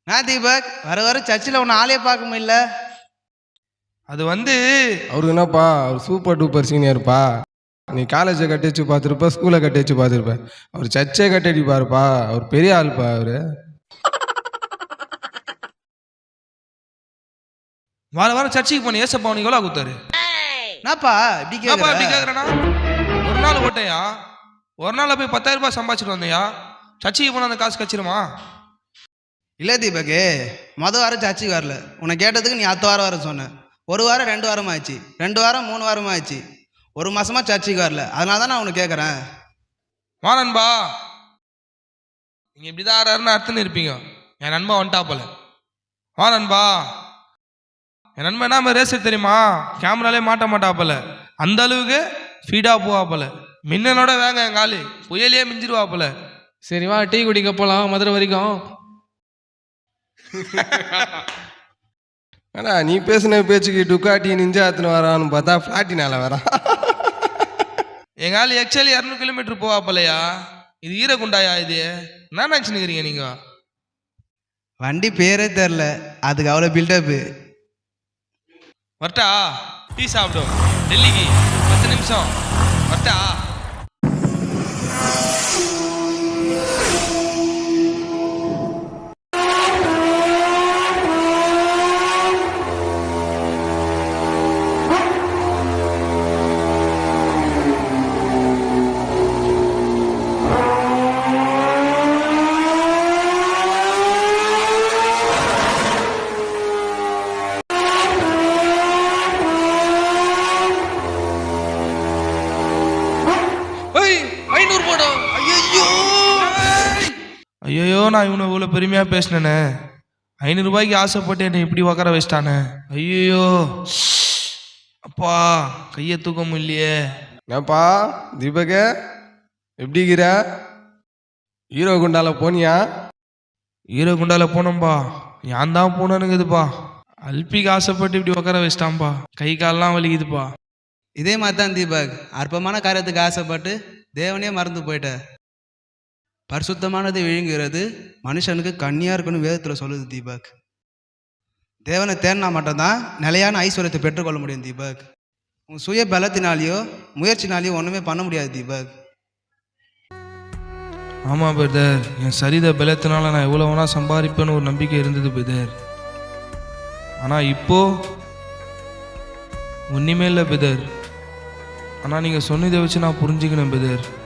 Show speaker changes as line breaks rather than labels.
நான் தீபக் வர வர சர்ச்சில் உன்னை ஆளே பார்க்க முடியல.
அது
அவருக்கு என்னப்பா, அவர் சூப்பர் டூப்பர் சீனியர்ப்பா. நீ காலேஜை கட்டி வச்சு பார்த்துருப்ப, ஸ்கூலை கட்டி வச்சு பார்த்துருப்ப. அவர் சர்ச்சே கட்டி அடிப்பாருப்பா. அவர் பெரிய ஆள்ப்பா. அவரு
வார வாரம் சர்ச்சுக்கு போன ஏசப்பா உனக்கு எவ்வளோ கொடுத்தாரு?
என்னப்பா இப்படி
கேட்குறேன்னா ஒரு நாள் ஓட்டையா, ஒரு நாள் போய் 10,000 ரூபாய் சம்பாதிச்சிட்டு வந்தையா? சர்ச்சுக்கு போனால் அந்த காசு கச்சிருமா?
இல்லை தீபக்கு, வாரம் சர்ச்சுக்கு வரல. உன்னை கேட்டதுக்கு நீ அடுத்த வாரம் வர சொன்ன. ஒரு வாரம் 2 வாரம் ஆச்சு, 2 வாரம் 3 வாரம் ஆச்சு, 1 மாசமா சர்ச்சுக்கு வரல. அதனால தான் நான் உனக்கு கேட்குறேன்.
வா நண்பா, நீங்கள் இப்படி தான் ஆறாருன்னு அர்த்தம் இருப்பீங்க. என் நண்பா வந்துட்டாப்பல. வா நண்பா, என் நண்பன் என்ன ரேசர் தெரியுமா? கேமராலே மாட்ட மாட்டாப்பல. அந்த அளவுக்கு ஃபீடாக போவாப்பல. மின்னனோட வேங்க என் காலு புயலே மிஞ்சிருவாப்பல.
சரி வா, டீ குடிக்க போகலாம் மதுரை வரைக்கும்.
ஆனா நீ பேசின பேச்சுக்கு டுக்காட்டி நிஞ்சா எத்தனை வரான்னு பார்த்தா ஃப்ளாட்டினால வரான்.
எங்கள் ஆள் ஆக்சுவலி 200 கிலோமீட்டர் போவாப்பலையா. இது ஈரகுண்டாயா? இது என்ன நினச்சினுக்கிறீங்க நீங்கள்?
வண்டி பேரே தெரில, அதுக்கு அவ்வளோ பில்டப்பு.
வரட்டா? டீ சாப்பிடும் டெல்லிக்கு 10 நிமிஷம். வரட்டா? ஐயோ, நான் இவனை இவ்வளோ பெருமையாக பேசினேனே. 500 ரூபாய்க்கு ஆசைப்பட்டு என்னை இப்படி உக்கார வச்சிட்டானே. ஐயோ அப்பா, கையை தூக்க முடியலையே.
என்னப்பா தீபக, எப்படிங்கிற? ஹீரோ குண்டால போனியா?
ஹீரோ குண்டால போனோம்பா. ஏன் தான் போனேனுங்குதுப்பா. அல்பிக்கு ஆசைப்பட்டு இப்படி உக்கார வச்சிட்டான்பா. கை காலெலாம் வலிக்குதுப்பா.
இதே மாதிரி தான் தீபக், அற்பமான காரியத்துக்கு ஆசைப்பட்டு தேவனே மறந்து போயிட்ட. பரிசுத்தமானது விழுங்குகிறது மனுஷனுக்கு கண்ணியா இருக்குன்னு வேதத்தில் சொல்லுது தீபக். தேவனை தேர்னா மட்டும்தான் நிலையான ஐஸ்வர்யத்தை பெற்றுக்கொள்ள முடியும் தீபக். உன் சுய பலத்தினாலேயோ முயற்சினாலேயோ ஒன்றுமே பண்ண முடியாது தீபக்.
ஆமாம் பிரதர், என் சரித பலத்தினால நான் எவ்வளோ வேணா சம்பாதிப்பேன்னு ஒரு நம்பிக்கை இருந்தது பிரதர். ஆனால் இப்போ ஒன்றுமே இல்லை பிரதர். ஆனால் நீங்கள் சொன்னதை வச்சு நான் புரிஞ்சுக்கணும் பிரதர்.